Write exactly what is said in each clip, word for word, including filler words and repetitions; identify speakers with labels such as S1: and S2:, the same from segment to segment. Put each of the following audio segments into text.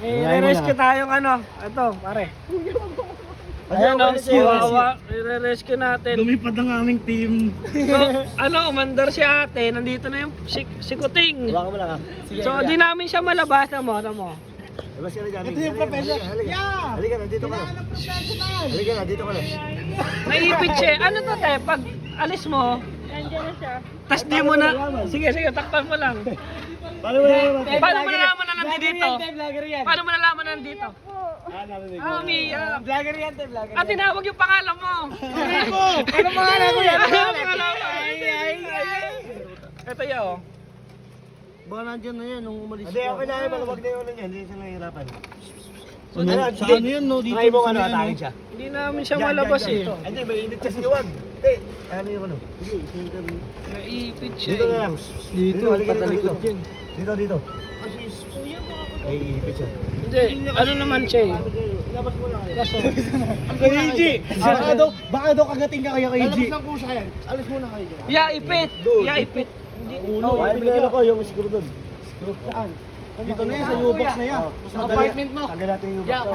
S1: I-rescue tayong ano. Ito, pare. Ayan o, i-rescue natin.
S2: Lumipad ang aming team.
S1: So, ano, umandar si ate. Nandito na yung si, si Kuting.
S3: Hawakan mo lang ha.
S1: So, di namin siya malabas na mo. Ano mo?
S3: Labas ka na dyan.
S2: Ito yung professional.
S3: Halika,
S2: Yeah!
S3: halika, nandito ka na. Halika, nandito ka na.
S1: Naipit siya. Ano to, te? Pag alis mo,
S4: Nandiyan na siya.
S1: tas di mo na. Sige, sige, takpan mo lang.
S3: Paano mo naman?
S1: Paano mo nalaman na nandito? Paano mo nalaman na nandito?
S3: Ah, narinig
S1: Ah, umiyak.
S2: Vlogger yan, te, vlogger.
S1: At tinawag yung pangalan mo.
S2: Ako! Ano pangalan ko yan?
S1: Ano pangalan mo?
S2: Ay, ay, ay.
S1: Ito yun.
S3: Baka nandyan na yan nung umalis. Hindi, okay na yun. Maluwag na yung ano niyan. Hindi sila nahihirapan.
S2: Ano, sa ano yan, no? Dito.
S3: Try mo ano, atake siya.
S1: Hindi namin siya malabas eh.
S3: Hindi, may init kasi liwag. Hindi, ano yung ano? Sige, dito.
S1: Naipit siya
S3: Dito na
S1: eh.
S3: lang.
S2: Dito,
S3: halika
S2: patalikod
S3: dito.
S2: yan.
S3: Dito, dito. May ipit siya.
S1: Hindi, ano naman siya eh.
S3: Labas mo lang kayo.
S1: Kaso,
S2: Kay A J! Baka daw, baka daw kagating ka kaya kay A J.
S3: Lalabas lang po siya yan. Alis muna kayo dyan.
S1: yaipit. Yaipit.
S3: Ulo, ay, pinalo ko yung siguro doon.
S2: Saan? Dito na yan, sa U-box na yan.
S3: Sa apartment mo. Tanggal natin yung box.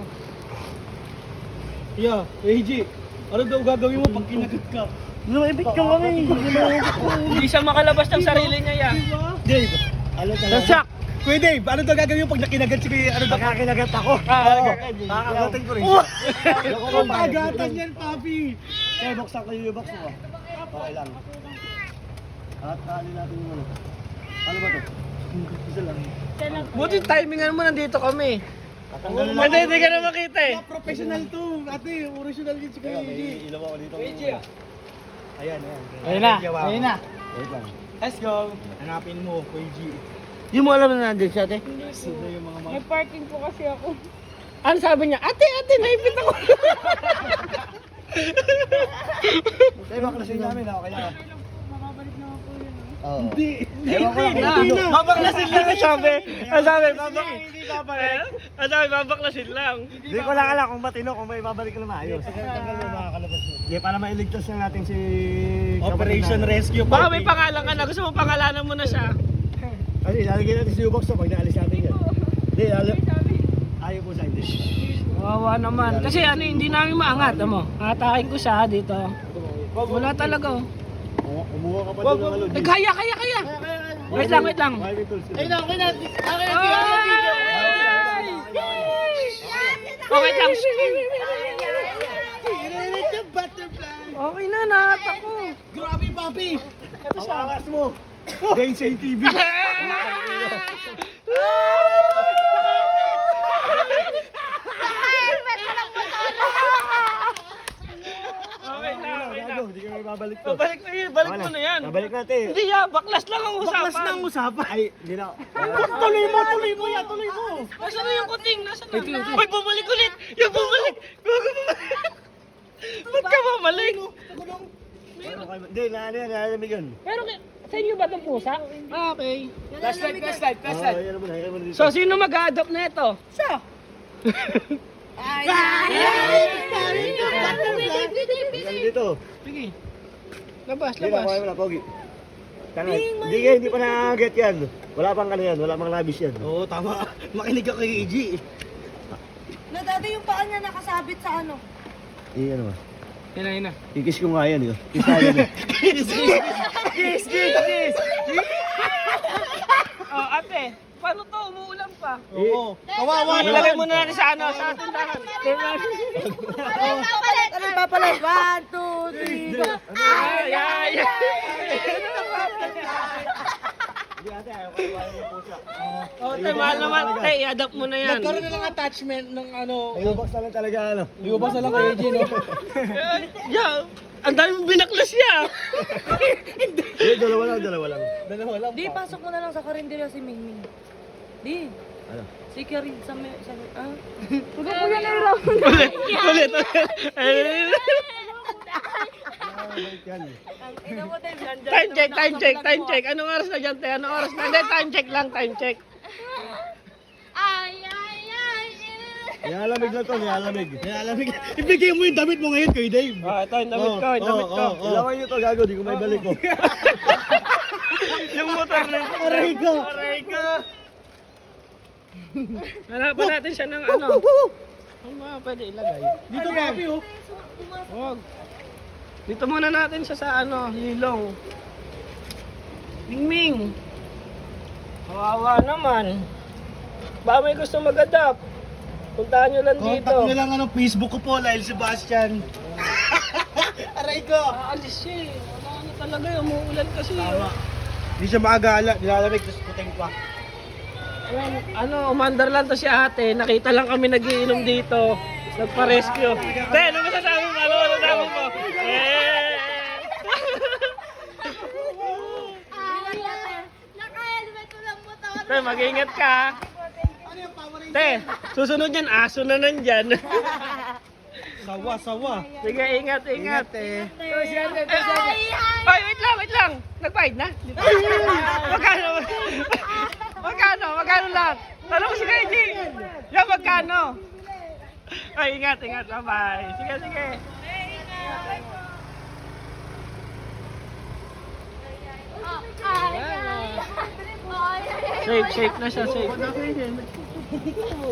S2: Yeah, A J. Ano daw gagawin mo pag kinagat ka?
S3: Lumipit ka kami.
S1: Hindi siya makalabas ng sarili niya ya.
S2: Dave,
S3: Ano
S1: Nasak.
S2: Kuya Dave, ano daw gagawin mo pag nakinagat si Kuya, ano daw?
S3: Nakakinagat ako.
S1: Ah,
S3: Nakakagatin ko rin
S2: Oh!
S3: siya.
S2: Kung pagatan yan, papi!
S3: Kaya buksan ko yung box mo. Okay lang. At tali natin yung ano. Ano ba to? Isa lang.
S1: Buti timingan mo nandito kami.
S3: Tatanggalin lang.
S1: Hindi, hindi ka na makita eh.
S2: Professional to, ate, original din si Kuya A J.
S3: May ilaw ako dito. Ayan, ayan.
S2: Ayun na, ayun na.
S3: Wait lang.
S2: Let's go. Hanapin mo, Kuya A J.
S3: Di mo alam na nandun siya, ate?
S2: Sino yung mga mga...
S4: May parking po kasi ako.
S1: Ano sabi niya? Ate, ate, naipit ako.
S3: Kaya baklasin namin, okay lang.
S4: Makabalik na ako yun.
S3: Oo.
S2: Hindi,
S3: Ewan ko lang.
S2: hindi na.
S1: Babaklasin lang ang sabi. Ang sabi, babak.
S2: Hindi babalik.
S1: Ang sabi, babaklasin lang.
S3: Hindi ko lang alam kung matino, kung may babalik ka na maayos. Tanggal mo makakalabas mo. Hindi, para mailigtas lang natin si...
S2: Operation Rescue
S1: Baka
S2: Party.
S1: may pangalan ka na. Gusto mo pangalanan mo na siya.
S3: Kasi ilalagay natin si U-Box to pag naalis natin yan. Hindi, alam. Ayaw po sa hindi.
S1: Wawa naman. Kasi ano, hindi namin maangat. Ano? Atakin ko siya dito. Wala talaga. oh.
S3: Oo, Kumuha ka pa doon ng ano.
S1: Eh, kaya, kaya, kaya. Wait lang, wait lang.
S3: Ayun na, okay na. Okay
S1: Ay! Oh, wait lang. Okay na, nahat ako.
S2: Grabe, papi!
S3: Ito siya. Ang angas mo. Densay T V.
S1: Okay na, okay na.
S3: Hindi ka may babalik to.
S1: Babalik na yun, balik mo na yan.
S3: Babalik natin.
S1: Hindi ya, baklas lang ang usapan.
S2: Baklas na ang usapan.
S3: Ay, hindi na.
S2: Tuloy mo, tuloy mo yan, tuloy mo!
S1: Nasaan na yung kuting? Nasaan na? Uy, bumalik ulit! Yung bumalik! Bago bumalik! Ba't ka bumalik?
S3: Hindi, naano yan, nalamig yun.
S1: Pero ki- sa inyo ba itong pusa? Ah, okay.
S2: Flashlight, flashlight,
S3: Oo, yan naman, yan naman dito.
S1: So, sino mag-a-adopt na ito? Siya!
S3: Yan dito.
S1: Sige. Labas,
S3: Hindi na,
S1: labas.
S3: kuha mo na, Pogi. Tanga, hindi ka, hindi pa na-get yan. Wala pang ano yan, wala pang labis yan.
S2: Oo, tama. Makinig ka kay A J.
S4: Na dati yung paa niya nakasabit sa ano.
S3: Eh, ano ba?
S1: Yan na, yan na.
S3: Kikis ko nga yan, yun. Kiss na yan. eh.
S2: Kiss, kiss, kiss!
S1: Oh, ate, paano to? Umuulan pa.
S2: Oo. Kawawa
S1: Ilagay
S2: naman.
S1: mo na natin sa ano, sa tindahan.
S4: Ano papalit? Ano papalit? One, two, three, go.
S1: Ay, ay, ay.
S3: Hindi ate, ayaw ko iwanan yung pusa.
S1: Oh, te, mahal naman. Te, i-adapt mo na yan.
S2: Nagkaroon na lang attachment ng ano.
S3: Ayun, box na lang talaga, ano.
S2: Iubos na lang kay A J, no?
S1: Yeah, ang dami mong binaklas niya.
S3: Hindi, dalawa lang, dalawa lang.
S2: Dalawa lang.
S4: Di, pasok mo na lang sa karinderya si Mingming. Di.
S3: Ano?
S4: Si Karin sa may... Sa may... Ah? Huwag po yan ay raw.
S1: Ulit, ulit, ulit. Ay,
S3: Yan.
S4: Ang ina mo tayo dyan.
S1: Time check, time check, time check. Anong oras na dyan, te? Anong oras na? Hindi, time check lang, time check.
S4: Ay, ay, ay.
S3: Nilalamig lang to, nilalamig.
S2: Nilalamig. Ibigay mo yung damit mo ngayon kay Dave.
S1: Ah, ito, yung damit ko, yung damit ko.
S3: Ilawan nyo to, gago, di ko may balik ko.
S1: Yung motor na ito.
S2: Aray ko.
S1: Aray ko. Hanapan natin siya ng ano. Ano ba pwede ilagay?
S2: Dito papi oh.
S1: Huwag. Dito muna natin siya sa ano, lilong. Mingming. Kawawa naman. Baka may gusto mag-adapt. Puntahan nyo lang dito.
S2: Contact nyo lang ano, Facebook ko po, Lyle Sebastian. Aray ko.
S1: Aalis siya eh. Wala na talaga eh. Umuulan kasi.
S2: Tama.
S1: Oh.
S2: Hindi siya maagala, nilalamig, tapos puting pa.
S1: Ayan, ano, umandar lang to si ate. Nakita lang kami nagiinom dito. Nagpa-rescue. Te, ano masasabi mo? Ano masasabi mo? Eh!
S4: Naka-helmet ko lang mo to.
S1: Te, mag-ingat ka. Te, susunod yan, aso na nandyan.
S2: Sawa, sawa.
S1: Sige, ingat, ingat.
S2: eh.
S1: Ay, ay, wait lang, wait lang. Nag-bite na? Magkano? Magkano? Magkano lang? Tanong mo si K J. Yan, magkano? Ay, ingat, ingat. Bye-bye. Sige, sige. Safe, safe na siya, safe.